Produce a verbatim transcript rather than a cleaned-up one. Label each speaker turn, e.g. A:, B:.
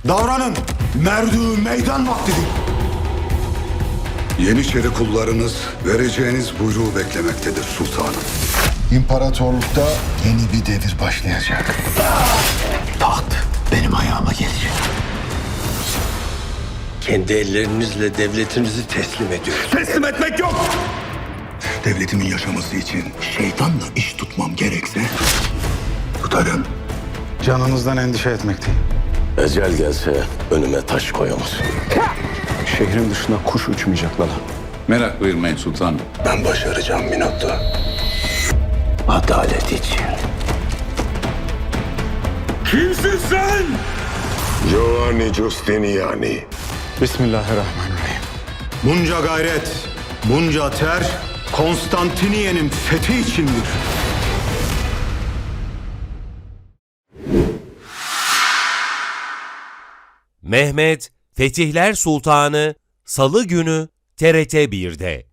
A: Davranın. Merdü meydan vaktidir.
B: Yeniçeri kullarınız vereceğiniz buyruğu beklemektedir sultanım.
C: İmparatorlukta yeni bir devir başlayacak.
A: Taht benim ayağıma gelecek.
D: Kendi ellerinizle devletinizi teslim ediyoruz.
A: Teslim etmek yok. Devletimin yaşaması için şeytanla iş tutmam gerekse tutarım.
C: Canınızdan endişe etmekteyim.
D: Ecel gelse önüme taş koyamaz.
C: Şehrin dışına kuş uçmayacak Lala.
B: Merak buyurmayın sultanım.
D: Ben başaracağım Minotto. Adalet için.
A: Kimsin sen?
E: Giovanni Giustiniani.
C: Bismillahirrahmanirrahim.
A: Bunca gayret, bunca ter Konstantiniye'nin fethi içindir.
F: Mehmet Fetihler Sultanı Salı günü T R T bir'de.